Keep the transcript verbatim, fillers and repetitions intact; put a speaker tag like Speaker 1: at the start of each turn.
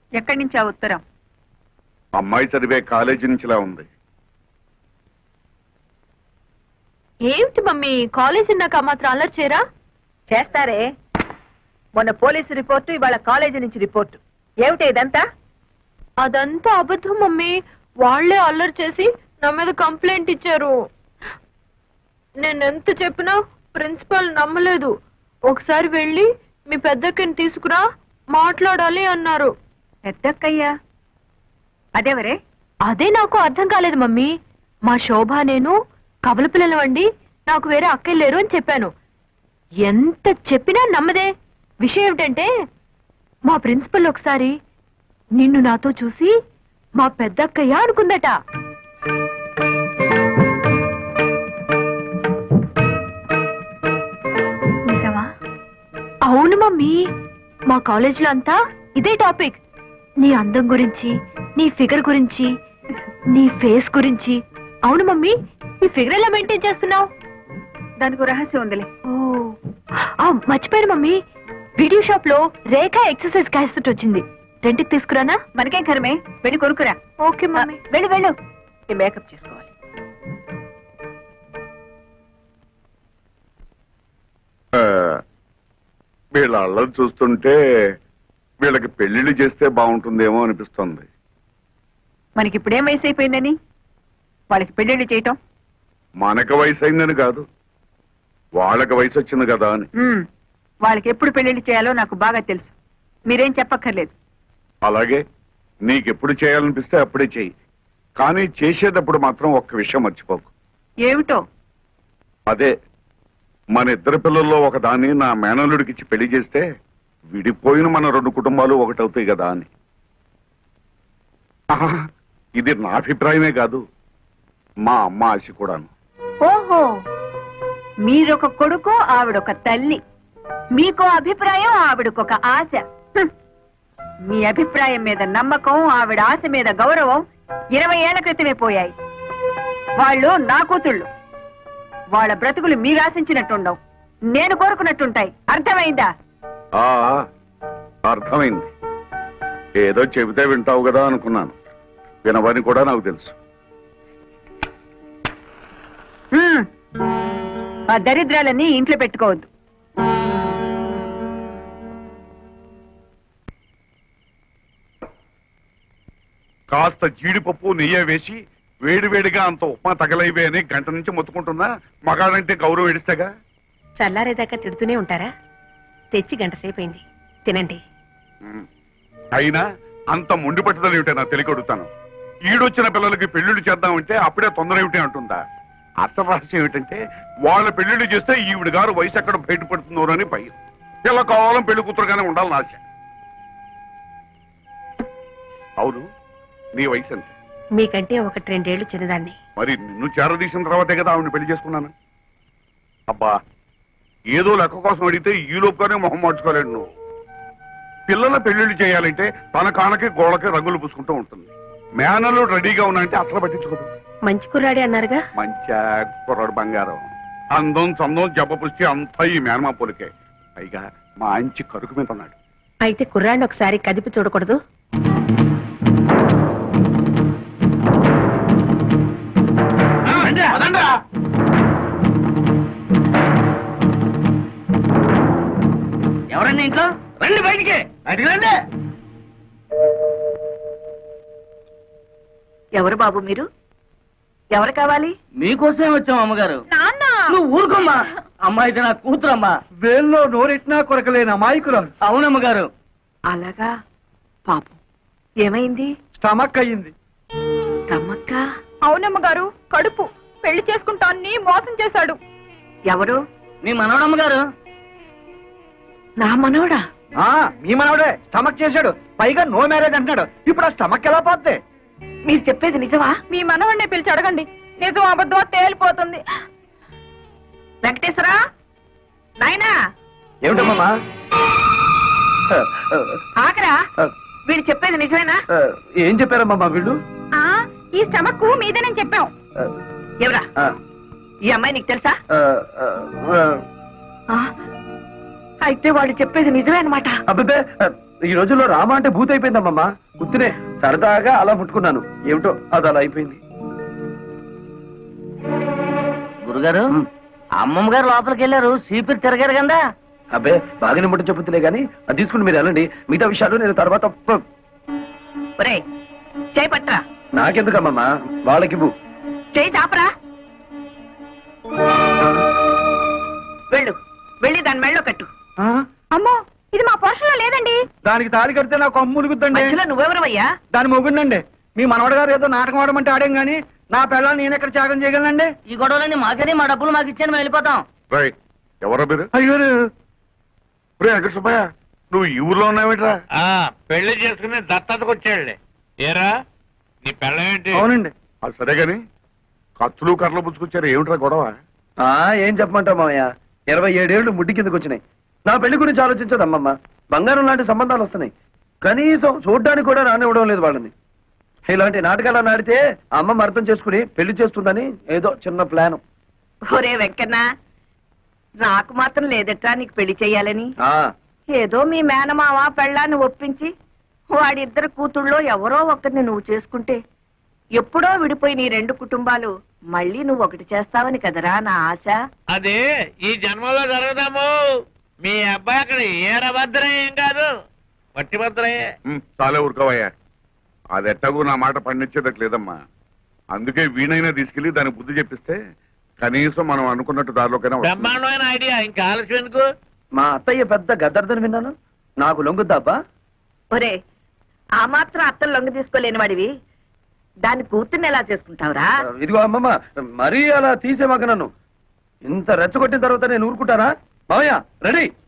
Speaker 1: ఎక్కడి నుంచి ఆ ఉత్తరం?
Speaker 2: అమ్మాయి చదివే కాలేజీ నుంచిలా ఉంది.
Speaker 3: ఏమిటి మమ్మీ, కాలేజీ నాకు మాత్రం అల్లరి చేయరా?
Speaker 1: చేస్తారే. మొన్న పోలీసు రిపోర్టు, ఇవాళ కాలేజీ నుంచి రిపోర్టు. ఏమిటి ఇదంతా?
Speaker 3: అదంతా అబద్ధం మమ్మీ. వాళ్లే అల్లరి చేసి నా మీద కంప్లైంట్ ఇచ్చారు. నేనెంత చెప్పినా ప్రిన్సిపల్ నమ్మలేదు. ఒకసారి వెళ్ళి మీ పెద్దక్కని తీసుకురా, మాట్లాడాలి అన్నారు.
Speaker 1: పెద్దక్కయ్యా? అదేవరే?
Speaker 3: అదే నాకు అర్థం కాలేదు మమ్మీ. మా శోభ నేను కబల పిల్లలు అండి, నాకు వేరే అక్కయ్య లేరు అని చెప్పాను. ఎంత చెప్పినా నమ్మదే. విషయం ఏమిటంటే మా ప్రిన్సిపల్ ఒకసారి నిన్ను నాతో చూసి మా పెద్దక్కయ్య అనుకుందట.
Speaker 1: నిజమా?
Speaker 3: అవును మమ్మీ, మా కాలేజీలో అంతా ఇదే టాపిక్. నీ అందం గురించి, నీ ఫిగర్ గురించి, నీ ఫేస్ గురించి. అవును మమ్మీ, నీ ఫిగర్ ఎలా మెయింటైన్ చేస్తున్నావు?
Speaker 1: దానికి రహస్యం ఉందిలే.
Speaker 3: ఓ మర్చిపోయాను మమ్మీ, వీడియో షాప్ లో రేఖ ఎక్సర్సైజ్ క్యాసెట్ వచ్చింది. రెంట్కి తీసుకురానా?
Speaker 1: మనకేం కరమే, వెళ్ళి కొనుక్కురా.
Speaker 3: Okay mummy.
Speaker 1: వెళ్ళు వెళ్ళు, ఈ మేకప్ చేసుకోవాలి.
Speaker 2: వీళ్ళ అల్లరి చూస్తుంటే వీళ్ళకి పెళ్లిళ్ళు చేస్తే బాగుంటుందేమో అనిపిస్తుంది.
Speaker 1: మనకి ఇప్పుడేం వయసు అయిపోయిందని వాళ్ళకి పెళ్లిళ్ళు చేయటం?
Speaker 2: మనకు వయసు అయిందని కాదు, వాళ్ళకి వయసు వచ్చింది కదా అని.
Speaker 1: వాళ్ళకి ఎప్పుడు పెళ్లిళ్ళు చేయాలో నాకు బాగా తెలుసు, మీరేం చెప్పక్కర్లేదు.
Speaker 2: అలాగే నీకెప్పుడు చేయాలనిపిస్తే అప్పుడే చెయ్యి, కానీ చేసేటప్పుడు మాత్రం ఒక్క విషయం మర్చిపోకు.
Speaker 1: ఏమిటో?
Speaker 2: అదే, మన ఇద్దరు పిల్లల్లో ఒక దాన్ని నా మేనల్లుడికిచ్చి పెళ్లి చేస్తే విడిపోయిన మన రెండు కుటుంబాలు ఒకటవుతాయి కదా అని. ఆహా, ఇది నా అభిప్రాయమే కాదు, మా అమ్మ ఆశ కూడాను.
Speaker 1: ఓహో, మీరొక కొడుకు, ఆవిడొక తల్లి. మీకో అభిప్రాయం, ఆవిడకొక ఆశ. హ్మ్. మీ అభిప్రాయం మీద నమ్మకం, ఆవిడ ఆశ మీద గౌరవం ఇరవై ఏళ్ల క్రితమే పోయాయి. వాళ్ళు నా కూతుళ్ళు. వాళ్ళ బ్రతుకులు మీరు ఆశించినట్టుండవు, నేను కోరుకున్నట్టుంటాయి. అర్థమైందా?
Speaker 2: ఆ అర్థమైంది. ఏదో చెబితే వింటావు కదా అనుకున్నాను, వినవని కూడా నాకు తెలుసు.
Speaker 1: హ్మ్. ఆ దరిద్రాలన్నీ ఇంట్లో పెట్టుకోవద్దు.
Speaker 2: కాస్త జీడిపప్పు నెయ్యి వేసి వేడివేడిగా అంత ఉప్మా తగలైవే అని గంట నుంచి మొత్తుకుంటున్నా. మగాడంటే గౌరవం ఎడిస్తేగా.
Speaker 4: చల్లారేదాకా తిడుతూనే ఉంటారా? తెచ్చి గంట సేపైంది, తినండి.
Speaker 2: అయినా అంత మొండి పట్టుదల ఏమిటే నా తెలియకొడుతాను. ఈడొచ్చిన పిల్లలకి పెళ్లిళ్ళు చేద్దామంటే అప్పుడే తొందర ఏమిటి అంటుందా? అసలు రహస్యం ఏమిటంటే వాళ్ళ పెళ్లిళ్ళు చేస్తే ఈవిడ గారు వయసు ఎక్కడ బయటపడుతుందో అని భయం. పిల్ల కావాలం పెళ్లి కూతురుగానే ఉండాలని ఆశ. అవును, నీ వయసు ఎంత?
Speaker 4: మీకంటే ఒకటి రెండేళ్లు చిన్నదాన్ని.
Speaker 2: మరి నిన్ను చేరదీసిన తర్వాతే కదా ఆవిడని పెళ్లి చేసుకున్నాను. అబ్బా, ఏదో లెక్క కోసం అడిగితే ఈ లోపుగానే మొహం మార్చుకోలేడు నువ్వు. పిల్లల పెళ్లిళ్ళు చేయాలంటే తన కానకి గోడకి రంగులు పూసుకుంటూ ఉంటుంది. మేనలు రెడీగా ఉన్నాయంటే అసలు పట్టించుకోదు.
Speaker 4: మంచి కుర్రాడే అన్నారుగా?
Speaker 2: మంచి కుర్రాడు బంగారం. అందం చందం జబ్బ పుష్టి అంతా ఈ మేనమా పోలికే. పైగా మంచి కరుకు మీద ఉన్నాడు.
Speaker 4: అయితే కుర్రాడిని ఒకసారి కదిపి చూడకూడదు?
Speaker 5: ఎవరండి ఇంట్లో? రండి బయటికి, బయటికి రండి.
Speaker 1: ఎవరు బాబు మీరు? ఎవరు కావాలి?
Speaker 5: మీకోసమే వచ్చాం అమ్మగారు.
Speaker 3: నాన్న,
Speaker 5: నువ్వు ఊరుకోమ్మా. అమ్మాయి నా కూతురమ్మా.
Speaker 6: వేల్లో నోరెట్నా కొరకలేని అమాయకురాలు.
Speaker 5: అవునమ్మగారు.
Speaker 1: అలాగా? పాపం ఏమైంది?
Speaker 6: స్టమక్ అయ్యింది.
Speaker 1: స్టమక్క?
Speaker 3: అవునమ్మగారు, కడుపు. పెళ్లి చేసుకుంటాన్ని మోసం చేశాడు.
Speaker 1: ఎవరు?
Speaker 5: మీ మనవడమ్మగారు.
Speaker 1: నా మనవడా?
Speaker 6: ఆ మీ మనవడే స్టమక్ చేశాడు, పైగా నో మ్యారేజ్ అంటున్నాడు. ఇప్పుడు ఆ స్టమక్ ఎలా పోద్ది?
Speaker 1: మీరు చెప్పేది నిజమా?
Speaker 3: మీ మనవడిని పిలిచి అడగండి, నిజం అబద్ధం తేలిపోతుంది.
Speaker 1: వెంకటేశ్వరా, నాయనా.
Speaker 6: ఏమిటమ్మా?
Speaker 1: ఆకరా, వీడు చెప్పేది నిజమేనా?
Speaker 6: ఏం చెప్పారమ్మా మా వీళ్ళు?
Speaker 3: ఈ స్టమక్ మీదేనని చెప్పాం.
Speaker 1: ఎవరా ఈ అమ్మాయి? నీకు తెలుసా? అయితే వాడు చెప్పేది నిజమే అనమాట.
Speaker 6: అబ్బే, ఈ రోజుల్లో రామ అంటే భూత అయిపోయిందమ్మమ్మ. గుర్తునే సరదాగా అలా ముట్టుకున్నాను, ఏమిటో అది అలా అయిపోయింది.
Speaker 5: గురుగారు
Speaker 6: ఉమ్.
Speaker 5: అమ్మమ్మ గారు లోపలికి వెళ్ళారు సీపీరు తిరగారు కదా.
Speaker 6: అబ్బే బాగానే ముట్ట చెప్పుతులే గానీ అది తీసుకుని మీరు వెళ్ళండి, మిగతా విషయాలు నేను తర్వాత ప-
Speaker 1: ఒరే చేయి పట్రా,
Speaker 6: నాకెందుకమ్మమ్మా, వాళ్ళకి ఇవ్వు.
Speaker 1: చేయి చాపరా. వెళ్ళు, వెళ్ళి దాని మెళ్ళో కట్టు.
Speaker 6: ఆ?
Speaker 1: అమ్మో, ఇది మా పోషణలో లేదండి.
Speaker 6: దానికి తాళి కడితే నాకు అమ్ములుగుద్దండి.
Speaker 1: మధ్యలో నువ్వెవరవయ్యా?
Speaker 6: దాని మొగుండండి. మీ మనవడు గారు ఏదో నాటకం ఆడమంటే ఆడేం గానీ నా పిల్లల్ని నేను ఎక్కడ త్యాగం చేయగలనండి?
Speaker 5: ఈ గొడవలన్నీ మాకని మా డబ్బులు మాకు ఇచ్చాను మేము వెళ్ళిపోతాం.
Speaker 2: రై ఎవరో మీరు?
Speaker 6: అయ్యో
Speaker 2: రే వెంకట సుబ్బయ్య, నువ్వు ఈ ఊర్లో ఉన్నావేట్రా?
Speaker 7: ఆ పెళ్లి చేసుకుని దత్తతకు వచ్చాడులే. ఏరా నీ పెళ్ళమేంటి?
Speaker 6: అవునండి.
Speaker 2: అది సరే గాని కత్తులు కర్రలు పుచ్చుకొచ్చారు, ఏమిట్రా గొడవ?
Speaker 6: ఆ ఏం చెప్పమంటావు మామయ్య, ఇరవై ఏడేళ్లు ముడ్డి కిందకు వచ్చినాయి. నా పెళ్లి గురించి ఆలోచించదు అమ్మమ్మ. బంగారం లాంటి సంబంధాలు వస్తున్నాయి, కనీసం చూడ్డానికి కూడా రానివ్వడం లేదు వాళ్ళని. ఇలాంటి నాటకాలు నాడితే అమ్మమ్మ అర్థం చేసుకుని పెళ్లి చేస్తుందని ఏదో చిన్న ప్లాన్.
Speaker 1: ఒరే వెంకన్న, నాకు మాత్రం లేదట్రా నీకు పెళ్లి చెయ్యాలని.
Speaker 6: ఆ
Speaker 1: ఏదో మీ మేనమావ పెళ్ళాన్ని ఒప్పించి వాడిద్దరు కూతుళ్ళో ఎవరో ఒకరిని నువ్వు చేసుకుంటే ఎప్పుడో విడిపోయి నీ రెండు కుటుంబాలు మళ్ళీ నువ్వు ఒకటి చేస్తావని కదరా నా ఆశ.
Speaker 7: అది ఈ జన్మలో జరగదాము. మీ అబ్బాయి అక్కడ ఏరభద్రం ఏం కాదు, పట్టిభద్రయే.
Speaker 2: ఉమ్, చాలే ఊరుకోవయ్యా. అది ఎట్టగూ నా మాట పండించేదట్లేదమ్మా. అందుకే వీణైనా తీసుకెళ్లి దానికి బుద్ధి చెప్పిస్తే కనీసం మనం అనుకున్నట్టు దారిలోకైనా వస్తుంది.
Speaker 7: బ్రహ్మాండమైన ఐడియా, ఇంకా ఆలస్యం ఎందుకు?
Speaker 6: మా అత్తయ్య పెద్ద గద్దర్దని విన్నాను, నాకు లొంగుద్దాబ్బా?
Speaker 1: ఒరే, ఆ మాత్రం అత్తలు లొంగ తీసుకోలేని వాడివి దాని కూతుర్ని ఎలా చేసుకుంటావురా?
Speaker 6: ఇదిగో అమ్మమ్మ, మరీ అలా తీసేమాక నన్ను. ఇంత రెచ్చగొట్టిన తర్వాత నేను ఊరుకుంటానా? మామయ్య రెడీ.